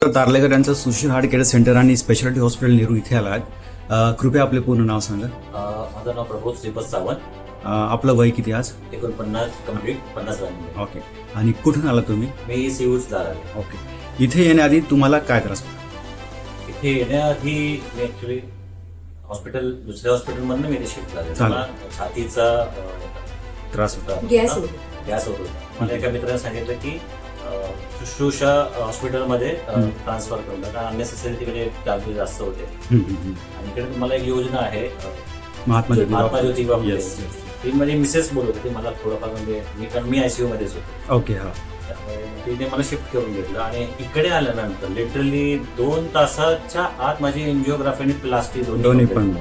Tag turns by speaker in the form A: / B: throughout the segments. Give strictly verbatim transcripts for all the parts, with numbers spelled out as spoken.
A: तारलेकर यांचं Sushil heart care centre आणि speciality hospital Nehru इथे आला आहेत. कृपया आपले पूर्ण नाव सांगा.
B: माझं नाव प्रबोध श्रीपद सावंत.
A: अ, आपलं वय किती आज?
B: एकोणपन्नास कम्प्लीट पन्नास झाले.
A: ओके. आणि कुठून आला तुम्ही?
B: मी सीऊच झाला.
A: ओके. इथे येण्याआधी तुम्हाला काय त्रास होता?
B: इथे येण्याआधी मी ऍक्च्युली हॉस्पिटल दुसऱ्या हॉस्पिटलमधनं मी इथे शिफ्ट झाले.
A: चालेल.
B: मला छातीचा अ,
A: त्रास होता.
C: गॅस होतो.
B: गॅस होत होता. मला एका मित्राने सांगितलं की अ, शुश्रूषा हॉस्पिटलमध्ये
A: हम्म.
B: ट्रान्सफर करून कारण अननेसेसरी तिकडे चार्जेस जास्त होते.
A: हम्म, हम्म, हम्म.
B: आणि इकडे तुम्हाला एक योजना आहे अ,
A: महात्मा ज्योतिबा
B: महात्मा ज्योतिबा फुले.
A: Yes, yes.
B: ती माझी मिसेस बोलत होती मला थोडंफार म्हणजे मी कारण मी आयसीयू मध्येच होतो.
A: ओके. हा.
B: त्यामुळे तिने मला शिफ्ट करून घेतलं आणि इकडे आल्यानंतर लिटरली दोन तासाच्या आत माझी एन्जिओग्राफी आणि प्लास्टिक
A: दोन्ही पण.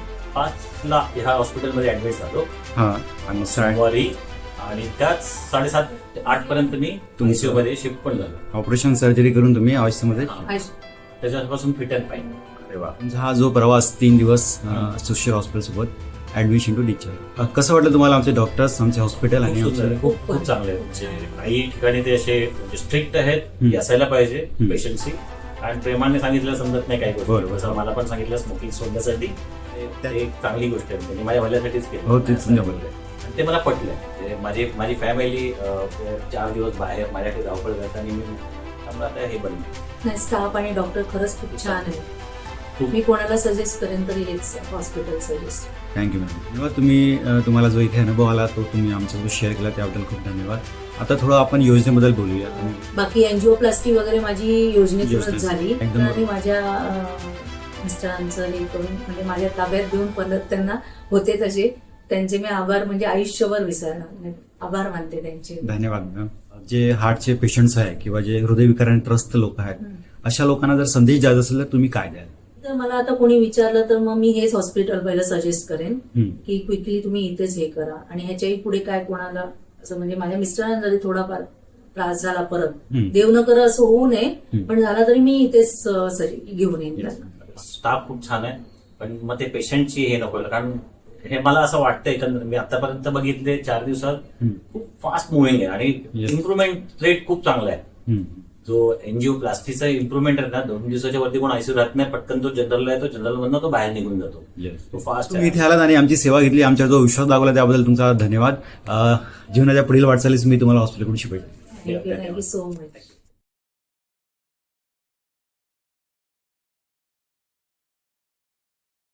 B: पाचला ह्या हॉस्पिटलमध्ये ऍडमिट झालो
A: हा. आणि साय-
B: सोमवारी आणि त्याच साडेसात ते आठ पर्यंत मी
A: तुमचं-
B: आयसीयू मध्ये शिफ्ट पण झालो.
A: ऑपरेशन सर्जरी करून तुम्ही आयुष्यामध्ये
B: त्याच्यापासून फिट अँड फाईन.
A: तुमचा हा जो प्रवास तीन दिवस अ, सुशील हॉस्पिटल सोबत ऍडमिशन टू डिस्चार्ज, कसं वाटलं तुम्हाला आमचे डॉक्टर्स, आमचे हॉस्पिटल आणि
B: खूप
A: आमचे
B: सुंदर, खूप खूप चांगले आहेत. म्हणजे काही ठिकाणी ते असे स्ट्रिक्ट आहेत
A: हम्म.
B: की असायला पाहिजे
A: हम्म.
B: पेशंटशी आणि प्रेमाने सांगितलं समजत नाही काही
A: बरोबर.
B: गोष्टी. जसं मला पण सांगितलं स्मोकिंग सोडण्यासाठी ते-
A: त्या-
B: ते एक चांगली गोष्ट आहे. म्हणजे माझ्या भल्यासाठीच केलं.
A: हो, तेच तुमच्या भल्यासाठी.
B: आणि ते मला पटलं. म्हणजे माझी माझी फॅमिली चार दिवस बाहेर माझ्याकडे धावपळ करत आणि मी त्यामुळे आता हे बनलं.
C: नाही, स्टाफ आणि डॉक्टर खरंच खूप छान आहे.
B: खूप.
C: मी कोणाला सजेस्ट करेन तरी हेच हॉस्पिटल सजेस्ट.
A: Thank you madam. धन्यवाद. तुम्ही अ, तुम्हाला जो इथे अनुभव आला तो तुम्ही आमच्यासोबत शेअर केला त्याबद्दल खूप धन्यवाद. आता थोडं आपण योजनेबद्दल बोलूया.
C: बाकी एनजिओप्लास्टी वगैरे माझी योजनेतूनच
A: योजनेत.
C: झाली.
A: एकदम
C: आणि माझ्या अं, मिस्टरांचं हे करून म्हणजे माझ्या ताब्यात घेऊन परत त्यांना होते तसे त्यांचे मी आभार म्हणजे आयुष्यभर विसरणार नाही. आभार मानते त्यांचे.
A: धन्यवाद मॅडम. जे हार्टचे पेशंट्स आहे किंवा जे हृदयविकाराने त्रस्त लोक आहेत
C: हम्म.
A: अशा लोकांना जर संदेश द्यायचा असेल तर तुम्ही काय द्याल?
C: तर मला आता कोणी विचारलं तर मग मी हेच हॉस्पिटल पहिलं सजेस्ट करेन
A: हम्म.
C: की क्विकली तुम्ही इथेच हे करा. आणि ह्याच्याही पुढे काय कोणाला असं म्हणजे माझ्या मिस्टरांना जरी थोडाफार त्रास झाला परत
A: हम्म.
C: देव न कर असं होऊ नये
A: हम्म.
C: पण झाला तरी मी इथेच अं, सजे- घेऊन येईन
A: Yes.
C: त्यांना.
B: स्टाफ खूप छान आहे पण मग ते पेशंटची हे नको कारण हे मला असं वाटतं एकंदर मी आतापर्यंत बघितले चार दिवसात
A: हम्म.
B: खूप फास्ट मुव्हिंग आहे आणि
A: Yes.
B: इम्प्रुव्हमेंट रेट खूप चांगला आहे.
A: हम्म.
B: जो एनजीओ प्लास्टिकचा इम्प्रुव्हमेंट आहे ना दोन दिवसाच्या वरती कोण आयसीयू राहत नाही पटकन तो जनरलला आहे तो जनरल मधनं तो बाहेर निघून जातो.
A: Yes.
B: तो फास्ट
A: तुम्ही इथे आलात आणि आमची सेवा घेतली, आमच्या जो विश्वास दाखवला त्याबद्दल तुमचा धन्यवाद. अ, जीवनाच्या पुढील वाटचालीस मी तुम्हाला हॉस्पिटलकडून शिकवेल.
C: Thank you thank you so much.